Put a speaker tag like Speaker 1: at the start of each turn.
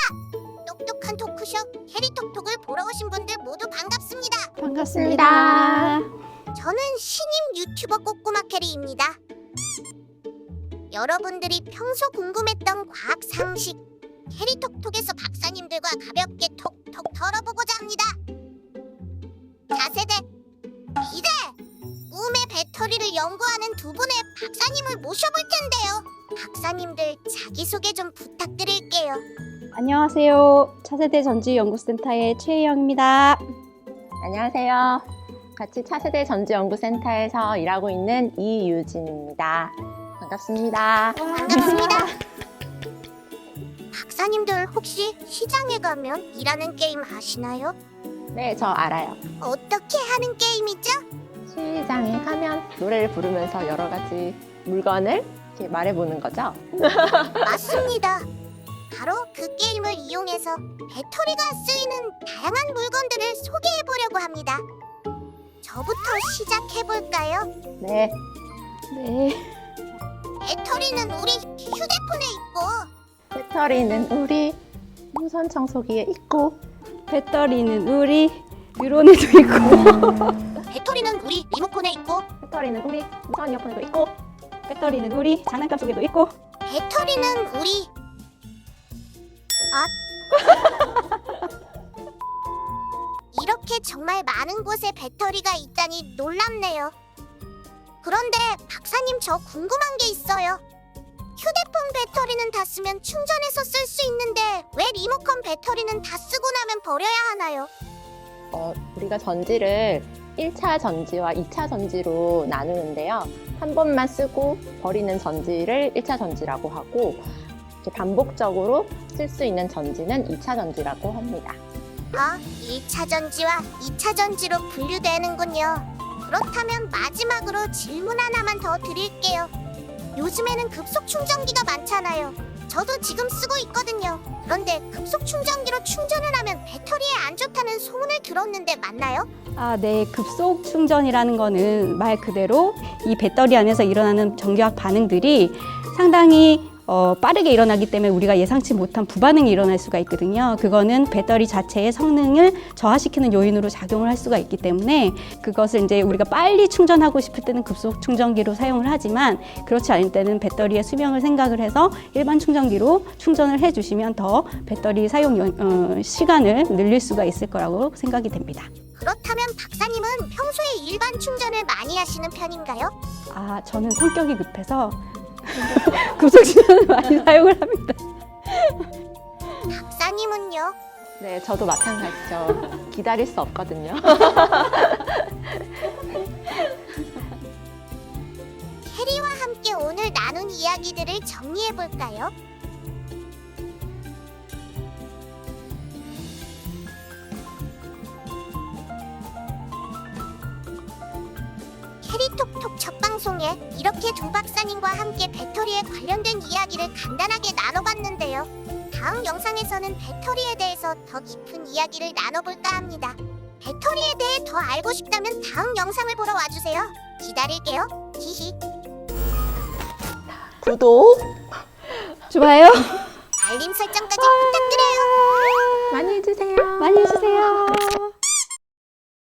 Speaker 1: 똑똑한 토크쇼 캐리톡톡을 보러 오신 분들 모두 반갑습니다.
Speaker 2: 반갑습니다.
Speaker 1: 저는 신임 유튜버 꼬꼬마 캐리입니다. 여러분들이 평소 궁금했던 과학 상식 캐리톡톡에서 박사님들과 가볍게 톡톡 털어보고자 합니다. 차세대, 미래, 꿈의 배터리를 연구하는 두 분의 박사님을 모셔볼 텐데요. 박사님들 자기소개 좀 부탁드릴게요.
Speaker 2: 안녕하세요. 차세대 전지연구센터의 최혜영입니다.
Speaker 3: 안녕하세요. 같이 차세대 전지연구센터에서 일하고 있는 이유진입니다. 반갑습니다.
Speaker 1: 반갑습니다. 박사님들 혹시 시장에 가면 일하는 게임 아시나요?
Speaker 3: 네, 저 알아요.
Speaker 1: 어떻게 하는 게임이죠?
Speaker 3: 시장에 가면 노래를 부르면서 여러 가지 물건을 이렇게 말해보는 거죠?
Speaker 1: 맞습니다. 바로 그 게임을 이용해서 배터리가 쓰이는 다양한 물건들을 소개해보려고 합니다. 저부터 시작해볼까요?
Speaker 3: 네.
Speaker 2: 네.
Speaker 1: 배터리는 우리 휴대폰에 있고
Speaker 3: 배터리는 우리 무선 청소기에 있고
Speaker 2: 배터리는 우리 유론에도 있고
Speaker 1: 배터리는 우리 리모컨에 있고
Speaker 3: 배터리는 우리 무선 이어폰에도 있고
Speaker 2: 배터리는 우리 장난감 속에도 있고
Speaker 1: 배터리는 우리 이렇게 정말 많은 곳에 배터리가 있다니 놀랍네요. 그런데 박사님 저 궁금한 게 있어요. 휴대폰 배터리는 다 쓰면 충전해서 쓸 수 있는데 왜 리모컨 배터리는 다 쓰고 나면 버려야 하나요?
Speaker 3: 우리가 전지를 1차 전지와 2차 전지로 나누는데요. 한 번만 쓰고 버리는 전지를 1차 전지라고 하고 이렇게 반복적으로 쓸 수 있는 전지는 2차 전지라고 합니다.
Speaker 1: 1차 전지와 2차 전지로 분류되는군요. 그렇다면 마지막으로 질문 하나만 더 드릴게요. 요즘에는 급속 충전기가 많잖아요. 저도 지금 쓰고 있거든요. 그런데 급속 충전기로 충전을 하면 배터리에 안 좋다는 소문을 들었는데 맞나요?
Speaker 2: 네. 급속 충전이라는 거는 말 그대로 이 배터리 안에서 일어나는 전기학 반응들이 상당히 빠르게 일어나기 때문에 우리가 예상치 못한 부반응이 일어날 수가 있거든요. 그거는 배터리 자체의 성능을 저하시키는 요인으로 작용을 할 수가 있기 때문에 그것을 이제 우리가 빨리 충전하고 싶을 때는 급속 충전기로 사용을 하지만 그렇지 않을 때는 배터리의 수명을 생각을 해서 일반 충전기로 충전을 해주시면 더 배터리 사용 시간을 늘릴 수가 있을 거라고 생각이 됩니다.
Speaker 1: 그렇다면 박사님은 평소에 일반 충전을 많이 하시는 편인가요?
Speaker 2: 저는 성격이 급해서 급속 충전을 많이 사용을 합니다.
Speaker 1: 박사님은요?
Speaker 3: 네, 저도 마찬가지죠. 기다릴 수 없거든요.
Speaker 1: 캐리와 함께 오늘 나눈 이야기들을 정리해볼까요? 캐리톡톡 첫 방송에 이렇게 두 박사님과 함께 배터리에 관련된 이야기를 간단하게 나눠봤는데요. 다음 영상에서는 배터리에 대해서 더 깊은 이야기를 나눠볼까 합니다. 배터리에 대해 더 알고 싶다면 다음 영상을 보러 와주세요. 기다릴게요. 히히.
Speaker 3: 구독
Speaker 2: 좋아요.
Speaker 1: 알림 설정까지 부탁드려요.
Speaker 3: 많이 해주세요.
Speaker 2: 많이 해주세요.